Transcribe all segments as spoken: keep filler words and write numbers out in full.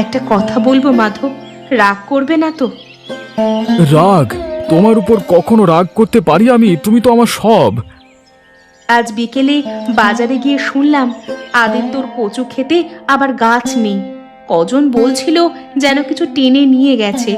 একটা কথা বলবো মাধব, রাগ করবে না তো? রাগ? তোমার উপর কখনো রাগ করতে পারি আমি? তুমি তো আমার সব। আজ বিকেলে বাজারে গিয়ে শুনলাম আদিত্যর কচু খেতে আবার গাছ নেই। কজন বলছিল যেন কিছু টেনে নিয়ে গেছে।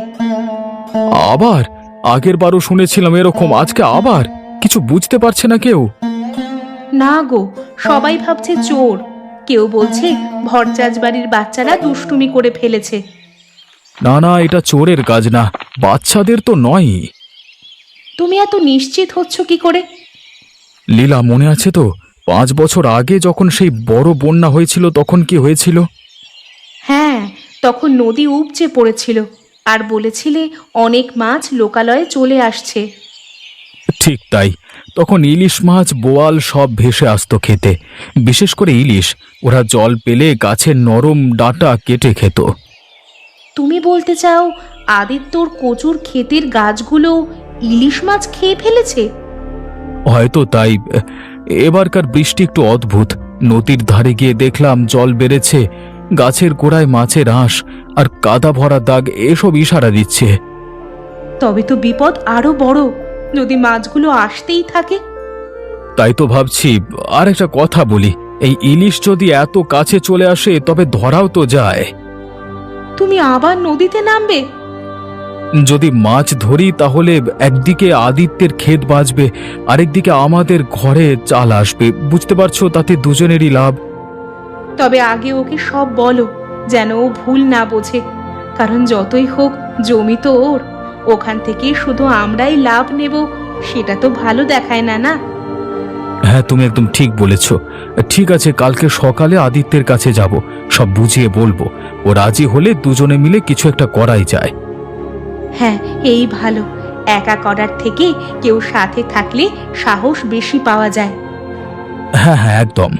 আবার? আগের বারও শুনেছিলাম এরকম, আজকে আবার? কিছু বুঝতে পারছে না কেউ? না গো, সবাই ভাবছে চোর, কেউ বলছে ভরচাজ বাড়ির বাচ্চারা দুষ্টুমি করে ফেলেছে। না না, এটা চোরের কাজ না, বাচ্চাদের তো নয়। তুমি এত নিশ্চিত হচ্ছ কি করে? লীলা, মনে আছে তো পাঁচ বছর আগে যখন সেই বড় বন্যা হয়েছিল তখন কি হয়েছিল? হ্যাঁ, তখন নদী উপচে পড়েছিল আর বলেছিলে অনেক মাছ লোকালয়ে চলে আসছে। ঠিক তাই। তখন ইলিশ মাছ, বোয়াল সব ভেসে আসতো খেতে। বিশেষ করে ইলিশ, ওরা জল পেলে গাছের নরম ডাঁটা কেটে খেত। তুমি বলতে চাও আদিত্যর কচুর ক্ষেতের গাছগুলো ইলিশ মাছ খেয়ে ফেলেছে? হয়তো তাই। এবারকার বৃষ্টি একটু অদ্ভুত। নদীর ধারে গিয়ে দেখলাম জল বেড়েছে, গাছের গোড়ায় মাছের আঁশ আর কাদা ভরা দাগ এসব ইশারা দিচ্ছে। তবে তো বিপদ আরো বড়, যদি মাছগুলো আসতেই থাকে। তাই তো ভাবছি। আর একটা কথা বলি, এই ইলিশ যদি এত কাছে চলে আসে তবে ধরাও তো যায়। তুমি আবার নদীতে নামবে? যদি মাছ ধরি তাহলে একদিকে আদিত্যের ক্ষেত বাঁচবে, আরেকদিকে আমাদের ঘরে চাল আসবে। বুঝতে পারছো, তাতে দুজনেরই লাভ। তবে আগে ওকে সব বলো, যেন ও ভুল না বোঝে। কারণ যতই হোক জমি তো ওর, ওখান থেকে শুধু আমরাই লাভ নেব, সেটা তো ভালো দেখায় না। না হ্যাঁ, তুমি একদম ঠিক বলেছ। ঠিক আছে, কালকে সকালে আদিত্যের কাছে যাব, সব বুঝিয়ে বলবো। ও রাজি হলে দুজনে মিলে কিছু একটা করাই যায়। হ্যাঁ, এই ভালো। একা করার থেকে কেউ সাথে থাকলে সাহস বেশি পাওয়া যায়। হ্যাঁ হ্যাঁ, একদম।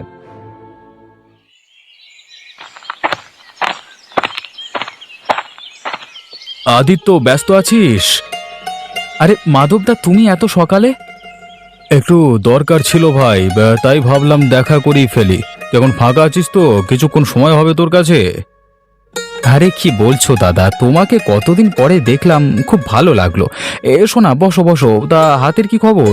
আদিত্য, ব্যস্ত আছিস? আরে মাধবদা, তুমি এত সকালে? একটু দরকার ছিল ভাই, তাই ভাবলাম দেখা করেই ফেলি। যখন ফাঁকা আছিস তো কিছুক্ষণ সময় হবে তোর কাছে? আরে কি বলছো দাদা, তোমাকে কতদিন পরে দেখলাম, খুব ভালো লাগলো। এসো না, বসো বসো। তা হাতের কি খবর?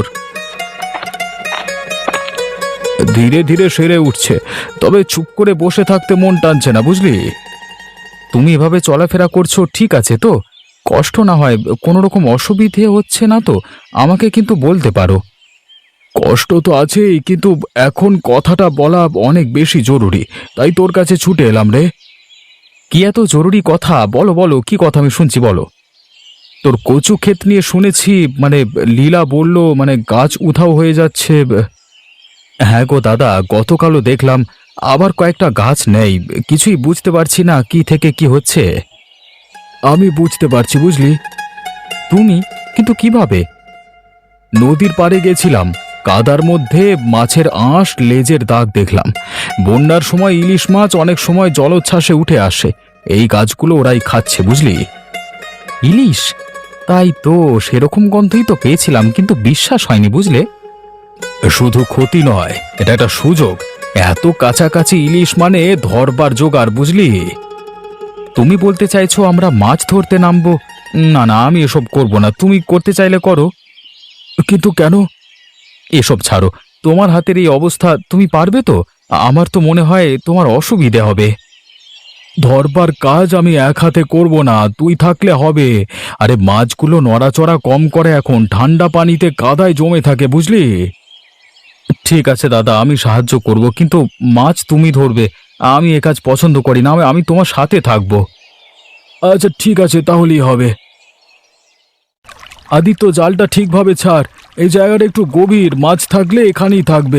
ধীরে ধীরে সেরে উঠছে, তবে চুপ করে বসে থাকতে মন টানছে না, বুঝলি? তুমি এভাবে চলাফেরা করছো ঠিক আছে তো? কষ্ট না হয়, কোনো রকম অসুবিধে হচ্ছে না তো? আমাকে কিন্তু বলতে পারো। কষ্ট তো আছেই, কিন্তু এখন কথাটা বলা অনেক বেশি জরুরি, তাই তোর কাছে ছুটে এলাম রে। কি এত জরুরি কথা? বলো বলো, কি কথা, আমি শুনছি, বলো। তোর কচু ক্ষেত নিয়ে শুনেছি, মানে লীলা বলল মানে গাছ উধাও হয়ে যাচ্ছে। হ্যাঁ গো দাদা, গতকালও দেখলাম আবার কয়েকটা গাছ নেই। কিছুই বুঝতে পারছি না কি থেকে কি হচ্ছে। আমি বুঝতে পারছি, বুঝলি। তুমি? কিন্তু কিভাবে? নদীর পাড়ে গেছিলাম, কাদার মধ্যে মাছের আঁশ, লেজের দাগ দেখলাম। বন্যার সময় ইলিশ মাছ অনেক সময় জলোচ্ছ্বাসে উঠে আসে, এই গাছগুলো ওরাই খাচ্ছে, বুঝলি। ইলিশ? তাই তো, সেরকম গন্ধই তো পেয়েছিলাম, কিন্তু বিশ্বাস হয়নি, বুঝলে। শুধু ক্ষতি নয়, এটা একটা সুযোগ। এত কাছাকাছি ইলিশ মানে ধরবার জোগাড়, বুঝলি। তুমি বলতে চাইছো আমরা মাছ ধরতে নামবো? না না, আমি এসব করব না, তুমি করতে চাইলে করো। কিন্তু কেন? এসব ছাড়ো, তোমার হাতের এই অবস্থা, তুমি পারবে তো? আমার তো মনে হয় তোমার অসুবিধে হবে। ধরবার কাজ আমি এক হাতে করব না, তুই থাকলে হবে। আরে মাছগুলো নড়াচড়া কম করে, এখন ঠান্ডা পানিতে কাদায় জমে থাকে, বুঝলি। ঠিক আছে দাদা, আমি সাহায্য করব, কিন্তু মাছ তুমি ধরবে। আমি এ কাজ পছন্দ করি না, আমি তোমার সাথে থাকব। আচ্ছা ঠিক আছে, তাহলেই হবে। আদিত্য, জালটা ঠিকভাবে ছাড়, এই জায়গাটা একটু গভীর, মাছ থাকলে এখানেই থাকবে।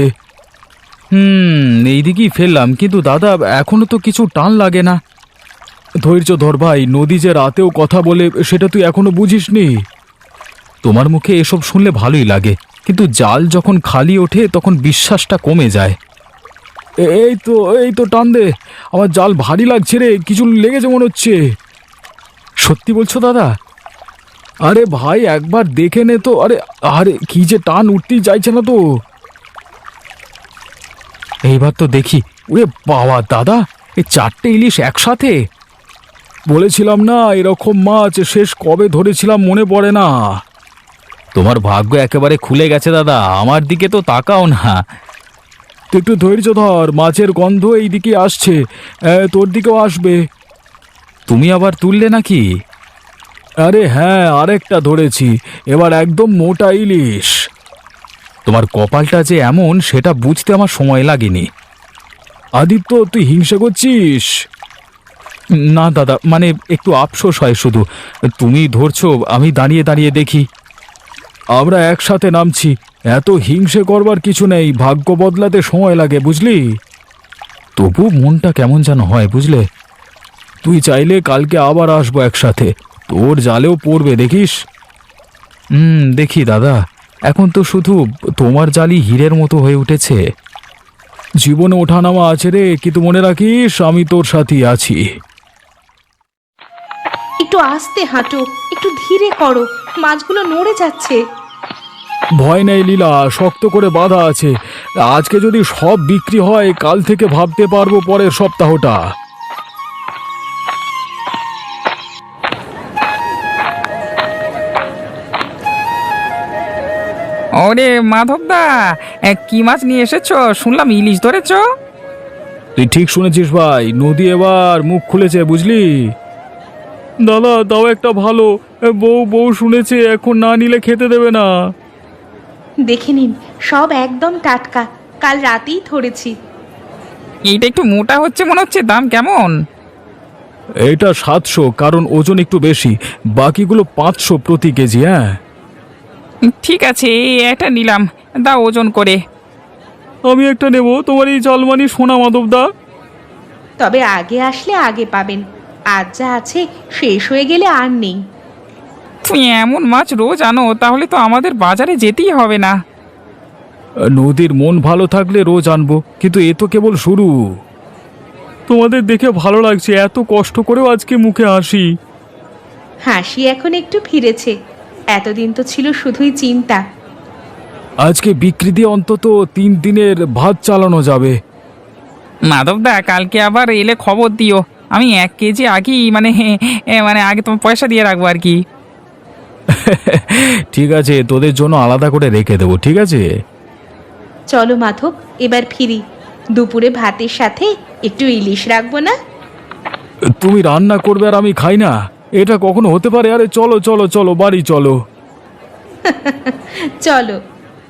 হুম, এইদিকেই ফেললাম, কিন্তু দাদা এখনো তো কিছু টান লাগে না। ধৈর্য ধর ভাই, নদী যে রাতেও কথা বলে সেটা তুই এখনো বুঝিসনি। তোমার মুখে এসব শুনলে ভালোই লাগে, কিন্তু জাল যখন খালি ওঠে তখন বিশ্বাসটা কমে যায়। এই তো, এই তো, টান দে। আমার জাল ভারী লাগছে রে, কিছু লেগেছে মনে হচ্ছে। সত্যি বলছো দাদা? আরে ভাই, একবার দেখে নে তো। আরে আরে কি যে টান, উঠতেই চাইছে না তো। এইবার তো দেখি। ওরে বাবা দাদা, এই চারটে ইলিশ একসাথে! বলেছিলাম না এরকম মাছ শেষ কবে ধরেছিলাম মনে পড়ে না। তোমার ভাগ্য একেবারে খুলে গেছে দাদা, আমার দিকে তো তাকাও না। তুই একটু ধৈর্য ধর, মাছের গন্ধ এই দিকে আসছে, এ, তোর দিকেও আসবে। তুমি আবার তুললে নাকি? আরে হ্যাঁ, আরেকটা ধরেছি, এবার একদম মোটা ইলিশ। তোমার কপালটা যে এমন সেটা বুঝতে আমার সময় লাগেনি। আদিত্য, তুই হিংসা করছিস? না দাদা, মানে একটু আফসোস হয় শুধু। তুমি ধরছো, আমি দাঁড়িয়ে দাঁড়িয়ে দেখি। আমরা একসাথে নামছি, এত হিংসে করবার কিছু নেই, ভাগ্য বদলাতে সময় লাগে বুঝলি। তবু মনটা কেমন যেন হয় বুঝলে। তুই চাইলে কালকে আবার আসবো একসাথে, তোর জালেও পড়বে দেখিস। হুম, দেখি দাদা, এখন তো শুধু তোমার জালই হীরের মতো হয়ে উঠেছে। জীবনে ওঠানামা আছে রে, কিন্তু মনে রাখিস আমি তোর সাথেই আছি। একটু আস্তে হাঁটো, একটু ধীরে করো, মাছগুলো নড়ে যাচ্ছে। ভয় নেই লীলা, শক্ত করে বাঁধা আছে। আজকে যদি সব বিক্রি হয় কাল থেকে ভাবতে পারবো পরের সপ্তাহটা। ওরে মাধবদা, এ, কি মাছ নিয়ে এসেছো? শুনলাম ইলিশ ধরেছো। তুই ঠিক শুনেছিস ভাই, নদী এবার মুখ খুলেছে বুঝলি। দাদা দাও একটা ভালো, বউ বউ শুনেছে এখন না নিলে খেতে দেবে না। দেখে নিন, সব একদম টাটকা, কাল রাতেই ধরেছি। এইটা একটু মোটা হচ্ছে মনে হচ্ছে, দাম কেমন? এটা সাতশো, কারণ ওজন একটু বেশি, বাকিগুলো পাঁচশো প্রতি কেজি। হ্যাঁ ঠিক আছে, এই একটা নিলাম, দাও ওজন করে। আমি একটা নেব, তোমার এই জালমানি সোনা মাধবদা। তবে আগে আসলে আগে পাবেন, আজ যা আছে শেষ হয়ে গেলে আর নেই। তুমি এমন মাছ রোজ আনো, তাহলে তো আমাদের বাজারে যেতেই হবে না। নদীর মন ভালো থাকলে রোজ আনবো, কিন্তু এ তো কেবল শুরু। তোমাদের দেখে ভালো লাগছে, এত কষ্ট করেও আজকে মুখে হাসি। হাসি এখন একটু ফিরেছে, এতদিন তো ছিল শুধুই চিন্তা। আজকে বিক্রি দিয়ে অন্তত তিন দিনের ভাত চালানো যাবে। মাধবদা, কালকে আবার এলে খবর দিও, আমি এক কেজি আগেই মানে এ, মানে আগে তোমার পয়সা দিয়ে রাখবো আর কি। ঠিক আছে, তোদের জন্য আলাদা করে রেখে দেবো, ঠিক আছে। চলো মাধব, এবার ফিরি, দুপুরে ভাতের সাথে একটু ইলিশ রাখবো না? তুমি রান্না করবে আর আমি খাই না, এটা কখনো হতে পারে? আরে চলো চলো চলো, বাড়ি চলো। চলো।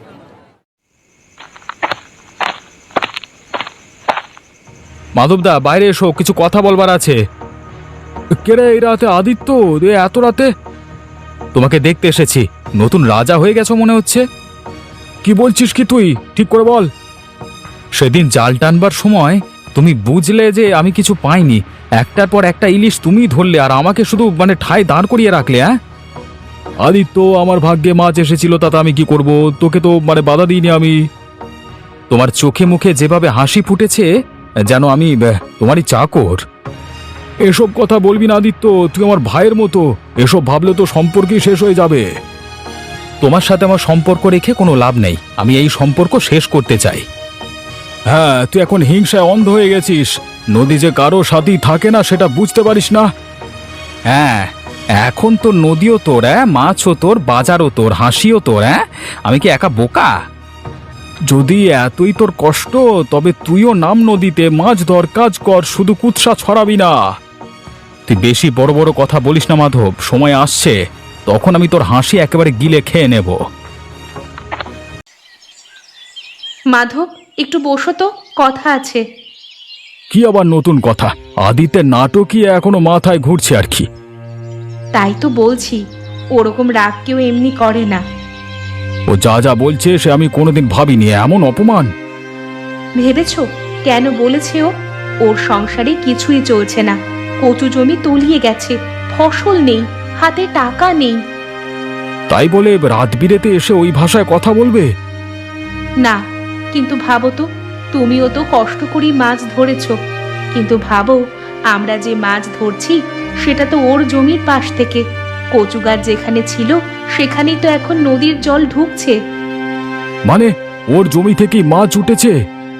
মাধবদা বাইরে এসো, কিছু কথা বলবার আছে। কেরে এই রাতে? আদিত্য, এ এত রাতে? তোমাকে দেখতে এসেছি, নতুন রাজা হয়ে গেছো মনে হচ্ছে। কি বলছিস কি তুই, ঠিক করে বল। সেদিন জাল টানবার সময় তুমি বুঝলে যে আমি কিছু পাইনি, একটার পর একটা ইলিশ তুমি ধরলে আর আমাকে শুধু মানে ঠায় দাঁড় করিয়ে রাখলে। হ্যাঁ আদিত্য, আমার ভাগ্যে মাছ এসেছিল, তাতে আমি কি করব? তোকে তো মানে বাধা দিইনি আমি। তোমার চোখে মুখে যেভাবে হাসি ফুটেছে, যেন আমি আহ, তোমারই চাকর। এসব কথা বলবি না আদিত্য, তুই আমার ভাইয়ের মতো, এসব ভাবলে তো সম্পর্কই শেষ হয়ে যাবে। তোমার সাথে আমার সম্পর্ক রেখে কোনো লাভ নেই, আমি এই সম্পর্ক শেষ করতে চাই। হ্যাঁ, তুই এখন হিংসায় অন্ধ হয়ে গেছিস, নদী যে কারো সাথেই থাকে না সেটা বুঝতে পারিস না। হ্যাঁ, এখন তো নদীও তোর, হ্যাঁ, মাছও তোর, বাজারও তোর, হাসিও তোর। হ্যাঁ, আমি কি একা বোকা? যদি এতই তোর কষ্ট, তবে তুইও নাম নদীতে, মাছ ধর, কাজ কর, শুধু কুৎসা ছড়াবি না। তুই বেশি বড় বড় কথা বলিস না মাধব, সময় আসছে তখন আমি তোর হাসি একেবারে গিলে খেয়ে নেব। মাধব, একটু বসো তো, কথা আছে। কি আবার নতুন কথা? আদিত্যের নাটকই এখনো মাথায় ঘুরছে আর কি। তাই তো বলছি, ওরকম রাগ কেউ এমনি করে না। ও যা যা বলছে সে আমি কোনোদিন ভাবিনি, এমন অপমান। ভেবেছো কেন বলেছে ও? ওর সংসারে কিছুই চলছে না, কচু জমি তলিয়ে গেছে, ফসল নেই, হাতে টাকা নেই। তাই বলে রাত বিরেতে এসে ওই ভাষায় কথা বলবে? না, কিন্তু ভাবো তো, তুমিও তো কষ্ট করে মাছ ধরেছো, কিন্তু ভাবো আমরা যে মাছ ধরছি সেটা তো ওর জমির পাশ থেকে, কচু গাছ যেখানে ছিল সেখানেই তো এখন নদীর জল ঢুকছে। মানে ওর জমি থেকেই মাছ উঠেছে?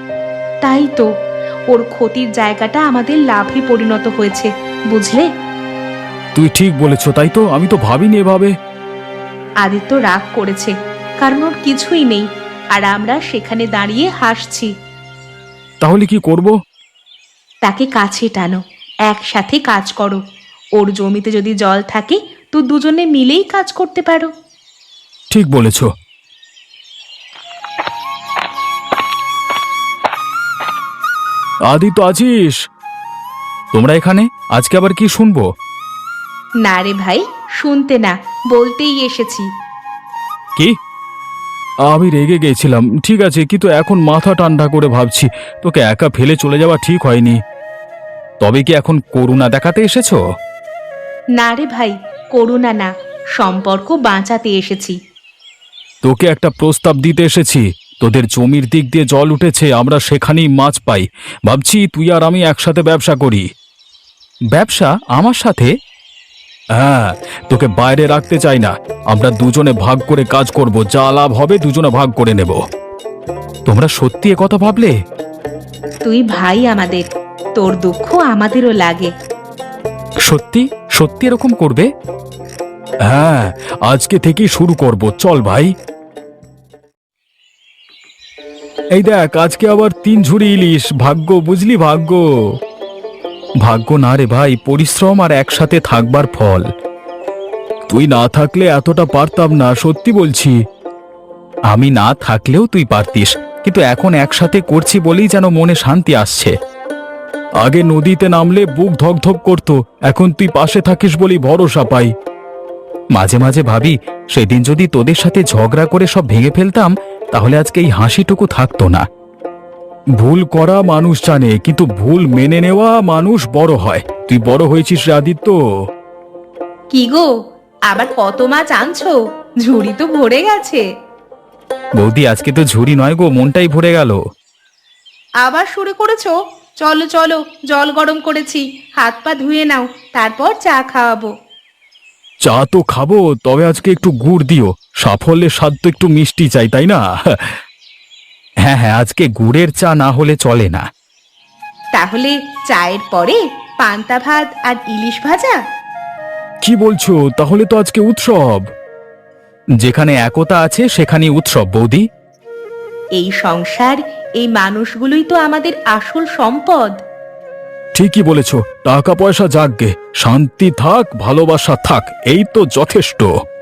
তাই তো, ওর ক্ষতির জায়গাটা আমাদের লাভে পরিণত হয়েছে, বুঝলে? তুই ঠিক বলেছ, তাই তো, আমি তো ভাবিনি এভাবে। আদিত্য রাগ করেছে, কারণ ওর কিছুই নেই, আর আমরা সেখানে দাঁড়িয়ে হাসছি। তাহলে কি করব? তাকে কাছে টানো, একসাথে কাজ করো। ওর জমিতে যদি জল থাকে তো দুজনে মিলেই কাজ করতে পারো। ঠিক বলেছ। আদি তো আছিস? তোমরা এখানে আজকে আবার কি শুনবো? না রে ভাই, শুনতে না, বলতেই এসেছি। কি? আমি রেগে গেছিলাম, ঠিক আছে, কিন্তু এখন মাথা ঠান্ডা করে ভাবছি তোকে একা ফেলে চলে যাওয়া ঠিক হয়নি। তবে কি এখন করুণা দেখাতে এসেছো? না রে ভাই, করুণা না, সম্পর্ক বাঁচাতে এসেছি। তোকে একটা প্রস্তাব দিতে এসেছি। তোদের জমির দিক দিয়ে জল উঠেছে, আমরা সেখানেই মাছ পাই। ভাবছি তুই আর আমি একসাথে ব্যবসা করি। ব্যবসা আমার সাথে? হ্যাঁ, তোকে বাইরে রাখতে চাই না। আমরা দুজনে ভাগ করে কাজ করব, যা লাভ হবে দুজনে ভাগ করে নেব। তোমরা সত্যি এ কথা ভাবলে? তুই ভাই আমাদের, তোর দুঃখ আমাদেরও লাগে। সত্যি সত্যি এরকম করবে? হ্যাঁ, আজকে থেকেই শুরু করব, চল ভাই। এই দেখ, আজকে আবার তিন ঝুড়ি ইলিশ। ভাগ্য, বুঝলি, ভাগ্য। ভাগ্য না রে ভাই, পরিশ্রম আর একসাথে থাকবার ফল। তুই না থাকলে এতটা পারতাম না, সত্যি বলছি। আমি না থাকলেও তুই পারতিস, কিন্তু এখন একসাথে করছি বলেই যেন মনে শান্তি আসছে। আগে নদীতে নামলে বুক ধকধক করতো, এখন তুই পাশে থাকিস বলেই ভরসা পাই। মাঝে মাঝে ভাবি, সেদিন যদি তোদের সাথে ঝগড়া করে সব ভেঙে ফেলতাম, তাহলে আজকে এই হাসিটুকু থাকতো না। ভুল করা মানুষ জানে, কিন্তু ভুল মেনে নেওয়া মানুষ বড় হয়। তুই বড় হয়েছিস রে আদিত্য। কি গো, আবার কত মাছ আনছো? ঝুড়ি তো ভরে গেছে। বৌদি, আজকে তো ঝুরি নয় গো, মনটাই ভরে গেল। আবার শুরু করেছো? চলো চলো, জল গরম করেছি, হাত পা ধুয়ে নাও, তারপর চা খাওয়াবো। চা তো খাবো, তবে আজকে একটু গুড় দিও। সাফল্যের স্বাদ তো একটু মিষ্টি চাই, তাই না? হ্যাঁ হ্যাঁ, আজকে গুড়ের চা না হলে চলে না। তাহলে চায়ের পরে পান্তা ভাত আর ইলিশ ভাজা। কি বলছো? তাহলে তো আজকে উৎসব। যেখানে একতা আছে সেখানেই উৎসব বৌদি। এই সংসার, এই মানুষগুলোই তো আমাদের আসল সম্পদ। ঠিকই বলেছ। টাকা পয়সা যাকগে, শান্তি থাক, ভালোবাসা থাক, এই তো যথেষ্ট।